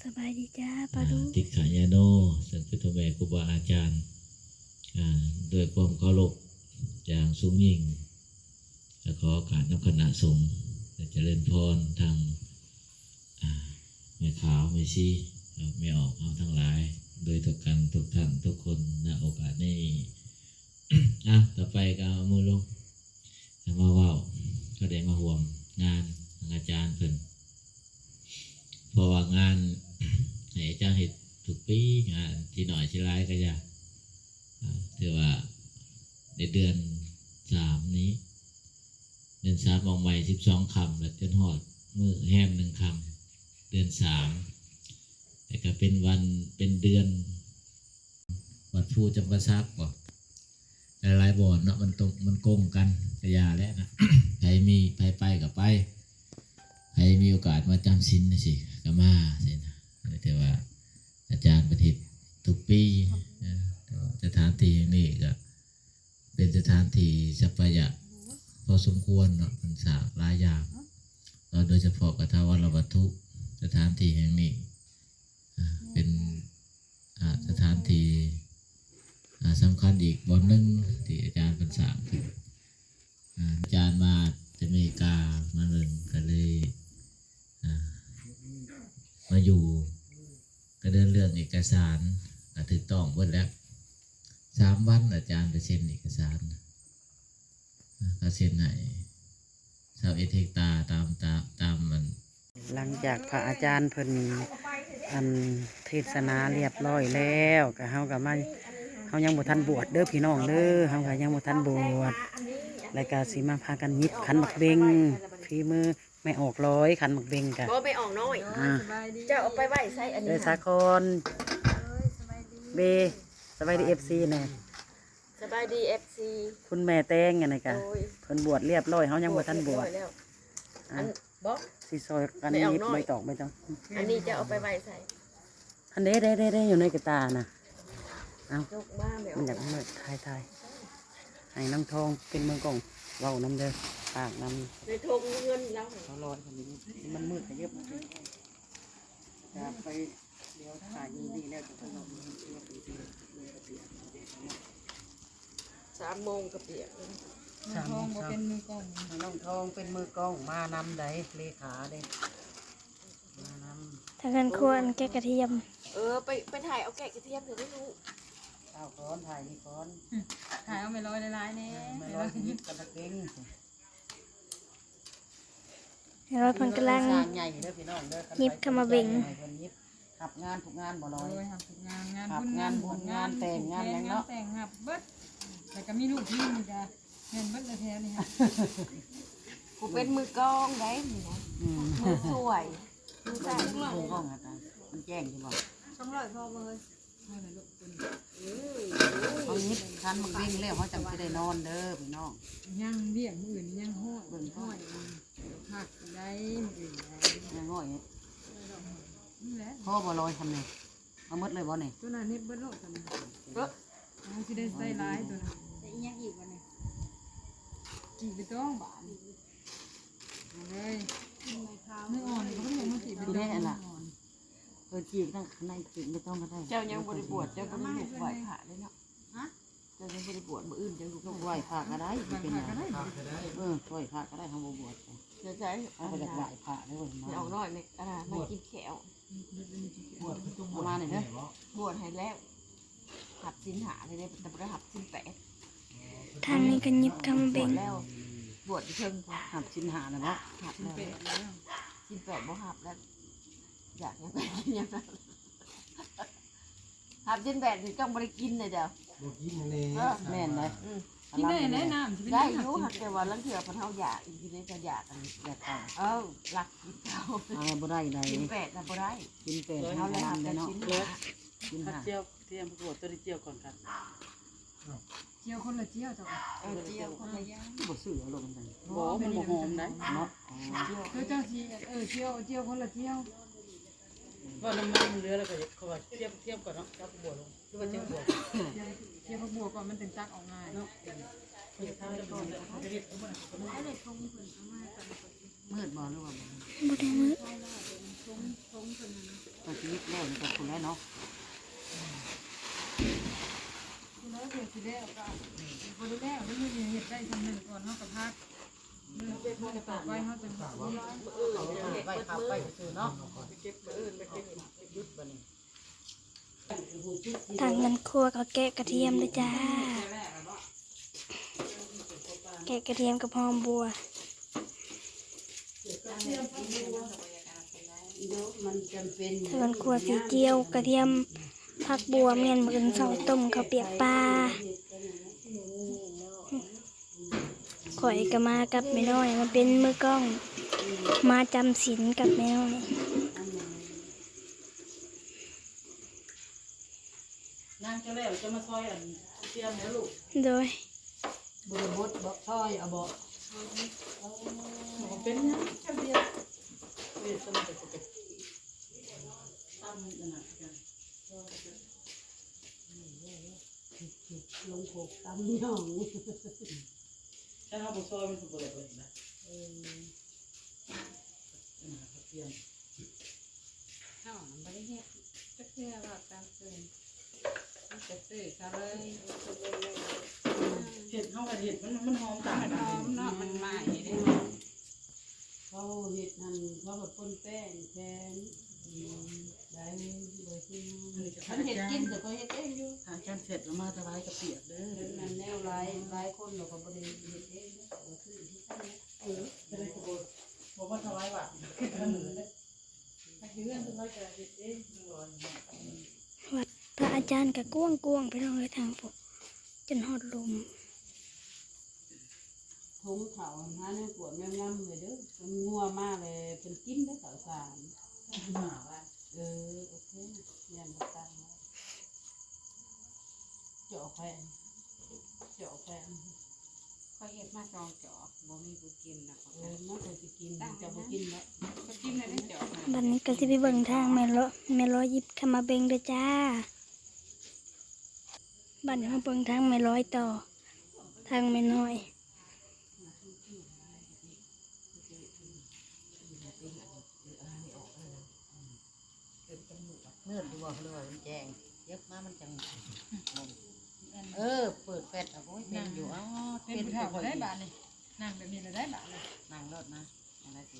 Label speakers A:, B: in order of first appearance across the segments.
A: สบายดีจ้าปาลุ
B: ติขายาโนสันพุทธเมครูบาอาจารย์ด้วยความเคารพอย่างสูงยิ่งและขอการนับคณะสงฆ์เจริญพรทางแม่ขาวแม่ชีไม่ออกเอาทั้งหลายโดยทุกกันทุกท่านทุกคนณโอกาสนี้ต่อไปก็เอามือลงมาว่าวก็ได้มาห่วงงานอาจารย์เพิ่นเพราะว่างานให้อาจารย์เห็นทุกปีงานที่หน่อยที่ร้ายก็จะถือว่าในเดือน3นี้เดือน3มองใหม่12 คำแล้วจนหอดมือแฮม1 คำเดือน3แต่ก็เป็นวันเป็นเดือนวัดภูจำปาซักบ่หลายบ่อนเนาะมันโกงกันกระยาแล้วนะ ใครมีไปกับไปใครมีโอกาสมาจำศีลสิก็มาสินะแต่ว่าอาจารย์ประทิษทุกปีสถานที่อย่างนี้ก็เป็นสถานที่สัพยะพอสมควรเนาะมันสร้างหลายอย่างโดยเฉพาะกฐาวรวัตถุสถานที่แห่งนี้เป็นสถานที่สำคัญอีกบ่อนหนึ่งที่อาจารย์เป็นสร้างขึ้นอาจารย์มาจากอเมริกามาเรียนก็เลยมาอยู่ก็เดินเรื่องเอกสารถูกต้องหมดแล้ว3 วันอาจารย์ไปเซ็นเอกสารก็เซ็นให้21 เฮกตาร์ตามมัน
C: หลังจากพระอาจารย์เพิ่นเทศนาเรียบร้อยแล้วก็เฮายังบ่ทันบวชเด้อพี่น้องเด้อเฮาก็ยังบ่ทันบวชแล้วก็สิมาพากันยิบขันหมักเบงฝีมือไม่ออกร้อยขันหมักเบงกะ
D: บ่ไปออกน้อยจะเอาไปไว้ใส่อันนี้
C: สาคอนเบสบายดี FC แน่
D: สบายดี FC
C: คุณแม่แตงไงกะเพิ่นบวชเรียบร้อยเฮายังบ่ทันบวช
D: อันบ่
C: สิซอยกันยิบไม่ตอกไม่ต้อง
D: อันนี้จะเอาไปไว้ใส่
C: อันได้อยู่ในกระตาน่ะเอา
D: ยกมาแม่
C: มันอยากมืดทายให้น้องทองเป็นมือกล่องเว้าน้ำเด้อปากน้ำ
D: ในทงเงินแล้ว
C: เขาลอยคนนี้มันมืดไปเยอะมากจะไปเดี๋ยวถ่ายยิงดีแล้วจะถนน
D: 3 โมงกับเปียก
C: น้องทองเป็นมือกล้องน้องทองเป็นมือกล้องมานำใดเลขาเด้มาน
A: ำทางการควรแกะกระเทียม
D: ไปถ่ายเอาแกะกระเทียมเดี๋ยวได้รู้
C: เอาก้อนถ่ายนี่ก้อน
E: ถ่ายเอาไม่ลอยลายๆเนี่ย
C: ไม่ลอยยิบกระเด้ง
A: เราเพิ่นกำลังยิบขมาเบ่ง
C: ขับงานทุกงานบ่ลอย
E: ขับงานบุญ
C: งานแต่งงานอะไรเนาะ
E: แต่งหับเบิดแต่ก็มีลูกที่มีจ้ะเห็นเบิดแท้ๆนี่ค่ะ
D: กูเป็นมือกองได้นี่นะมือสวยมือใส่
C: มือกองอะไรมันแจ้งใช่ป่ะ
E: 200พอเลย
C: เขายิบคันมันวิ่งแล้วเขาจำจะได้นอนเด้อพี่น้อง
E: ยังเรียกมืออื่นยังห้อยเบิ่งห้อยผักได้มืออื่น
C: ยังห้อยพ่อบ่ลอยทำไงเอามดเลยบ่เนี่ย
E: ตัวนั้นนี่เบิดโลดทำไงเขาจะได้ใส่ร้ายตัวนั้นแต่อีกยังอีกวันนี้จีบไปต้องบานเลยไม่อ่อนก็ไม่ยังไม่จีบไปต้อง
C: จีบนั่งในจีบไม่ต้องก็ได้
D: เจ้ายังบริบวชเจ้าก็ไม่ถูกไหวผ่าเลยเนาะเจ้ายังบริบวชมืออื่นเจ้าถูก
C: ไหวผ่าก็ได้เป็นไงไหวผ่าก็ได้ทำบวช
D: จะใช้
C: เอาไปจากไหวผ่าได้เลย
D: ไม่เอาน้อยไม่ไม่กินแขว
C: ประมาณนี้เนอะ
D: บวชให้แล้วหับสินหาเลยแต่ไม่ได้หับสิน8
A: ทางนี้ก็ยิบขมาเบ่ง
D: แล้วบวชเชิง
C: หับสินหานะเนาะ
D: หับแล้วสิน8บ่หับแล้วอยากยังไงกินยังไงหับสิน8ถึงต้องบริกินเลยเดี๋ยว
C: แม่นเลย
E: กินได้แนะน
D: ำได้ยุ่หักแต่ว่าลังเถื่อพันเท่าอยากกินได้จะอยากกัน
C: อยากต่
D: อหลักกินเท่า
C: บ่ได้เลย
D: กิน8นะบ่ได้
C: กิน8เท่าเลยเนาะ
E: กินเจียวเตรียมประกวดตัวเจียวก่อนครับเจียวคนละเจียวจ้ะ
D: เจียวคนละย่าง
C: บ่ซื้อเอาลงกัน
E: บ่มันบ่หอมได้
C: เนาะ
E: เจ้าทีเจียวคนละเจียวว่าน้ำมันเหลือแล้วก็เขาว่าเทียบก่อนเนาะจับบวกลงหรือว่าเจียวบวกเจียวบวกก่อนมันถึงตักออกง่ายเนาะ
C: มืดบ่หรือว่า
A: บ่ได้มืด
E: ทงคนนั้น
A: ตัวชีวิตแล้วนี่ก็คุณแล้วเนาะ
E: คุณแล้วเดี๋ยวสิแล้วก็คนรู้แล้วแล้วมันเห็ดได้ทำหนึ่งก่อนเขากับพักเมื่อต่อไปเขาจะบอกว่า
A: ไปขับไปซื้อเนาะเก็บมื้ออื่นไปเก็บยุดบ่นี่
F: ทางเงินครัวก็แกะกระเทียมเลยจ้า แกะกระเทียมกับหอมบัวทางเงินครัวสีเจียวกระเทียมผักบัวเมียนมือนเสาต้มข้าวเปียกปลาข่อยก็มากับแม่น้อยมาเป็นมือกล้อง มาจำศีลกับแม่น้อย
A: นางจะแล้วจะมาซอยอันเตรียมแล้วลูก
F: โดย
A: บ่ได้บดบ่ซอยเอาบ่เป็นหยังจังเดียวเฮ็ดซั่นก็เป็นตำนั่นน่ะกันลงโขกตำย่องถ้าเฮาบ่ซอยมันก็บ่ได้เลยนะเตรียม
E: ข้าวมันไม่ได้เห็ดจะเชื่อว่าการซื้อจะซื้อเขาเลย
A: เห็ดเฮาก็เห็ดมันหอมต่าง
E: มัน
A: กั
E: หอมเนาะมันใหม่เลย
G: เขาเห็ดนั่นเขาแบบป้นแป้งแทนได้โดยที่ฉันเห็ดกินแต่ก็เห็ดเองอยู่
A: ทานกันเสร็จแล้วมาถวายกระเปียกเด้อ
G: นั่นแนวหลายคนเราก็บริเห็ดเองนะก็คือที่ตั้ง
A: จะได้บ่บ่ว่าถวายว่าเรื่องถวายกระเฮ็ดเอง
F: วัดพระอาจารย์กับก้วงก้วงไปลองเลยทางพวกจนหอดลม
G: ทงเขาหาเนื้อปวดแม่งำเลยเด้อมันงัวมากเลยเป็นกินได้ข่าวสาร
A: มาว่า
G: โอเคยันมาตั้งเจาะแฟน
D: เขาเห็ดมาจองจอกบ่มีผู้กินนะเขา
G: น่าจะกินจะไปกินแล้ว
D: เขากินได้จอก
F: บัดนี้ก็จะไปเบิ่งทางแม่ร้อยยิบเข้ามาเบ่งเด้อจ้าบัดนี้มาเบิ่งทางแม่ร้อยต่อ ทางแม่น้อย
A: เนื้อดูว่าเลยมันแจ้งเย็บมามันจังเปิดแฟลชอ่ะโอ้ยเป็นอยู่อ๋อ
E: เป็น
A: เป็น
E: เท่า
A: ค่อย
E: ได้บาทนี่นั่งแบบนี้เลยได้บาทเลย
A: นั่งรถนะอะไรสิ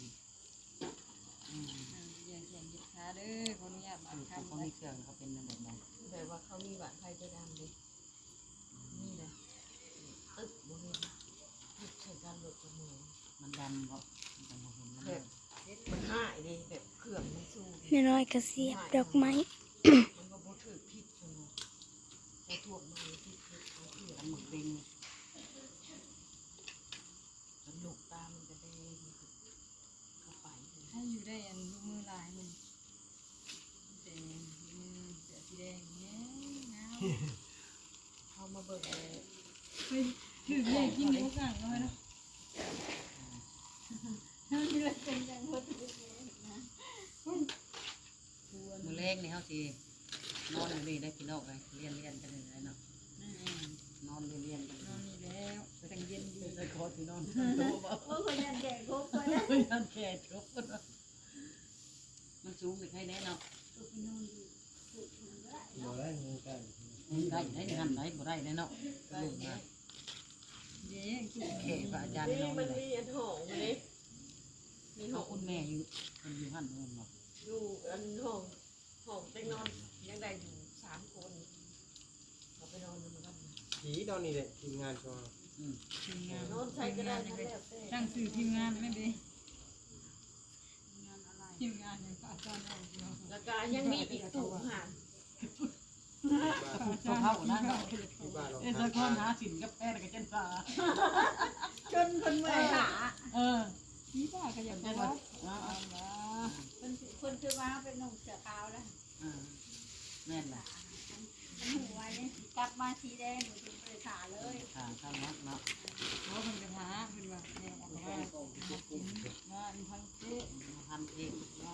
E: เยี่ยงเยี่ยงยิบขาเด้อขออนุญาตบาท
A: เขา
E: คำ
A: มีเครื่องเขาเป็นแบบนั้น
D: แบบว่าเขามีบาดไทยจะดำดินี่เลยตึ๊บบ่เห็นใช้การหลดจมูก
A: มันดำเพราะมันจะมองเห็นมัน
D: แบบมันหายดิแบบเครื่องมันสู้
F: แม่ร้อยก็เสียบดอกไม้
D: มันก็บ่ถือพิษจนใช้ทั่วมาพิษเขาเถื่อ
A: ทำหมึกปิง
D: มันลูกตามันจะได้เข้าไป
E: ให้อยู่ได้อันลูกมือลายมันแต่มือเสือสีแดงเงี้ยเงา
D: เขามาเบิกเลย
E: ถือเย่กินทุกอย่างเลยเนาะนี่เลยเป็นอย่างหมด
A: มือเล็กนี่เขาสินอนอยู่นี่ได้พี่น้องเลยเรียนกันเลยเนาะนอนเรียนกัน
E: นอนนี่แล้วแต่งเย็นดี
A: จะขอที่นอนตัวบ่โอ้ยยันแก่ครบยันแก่ครบมันสูงไปใครแน่เนาะได้ได้หันได้บ่ได้แน่เนาะลูกนะ
E: เย่กิน
A: เขพระอาจารย์น้องเลย
D: มีอันหองเลยมี
A: เขาคุณแม่อยู่มันอยู่หันเงินเนาะ
D: อยู่อันหองเต็งนอนยังได้อยู่3 คนเขาไปนอนมันก็
H: ผีตอนนี้เนี่ยทีมงานชอ
E: ทีมงาน
D: นอนใช้ก็ได้ทั้งแล้วแต่
E: ตั้งสื่อทีมงานไม่ดีทีมงานอย่างอาจารย์เอาเดียว
D: แล้วก็ยังมีอีกตู้ห่าง
A: ตัวเข้านั่นเนาะ
H: ที่บ้านเรา
A: เออจะคนหาสินกับแพทย์กับเจนฟ้า
D: จนคนเมื่อยขา
E: นี่ป้าก็อยาก
A: เจ
E: จะ
A: น
E: ว่า
A: ว่า
I: คนคือว่าเป็นหนุ่มเสือขาวแล้ว
A: แม่นล่ะ
I: มันหัวเนี่ยกลับมาสีแดงหนูถึงไปขาเลย
A: ทางเข้านักเนาะ
E: เขาเป็นกระทะเป็นว่าเนี่ยออกมากินงานพังเจ๊
A: ทำเอง
E: ว่า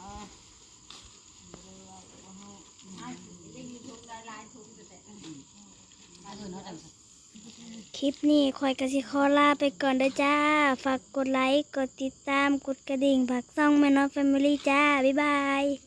I: ได้ยินทุกลายทุกแต่
A: ถ้าเพื่อนเขาจัง
F: คลิปนี้คอยกสิขอลาไปก่อนเด้อจ้า ฝากกดไลค์ กดติดตาม กดกระดิ่งฝากซ่องแม่น้อยแฟมิลี่จ้า บ๊ายบาย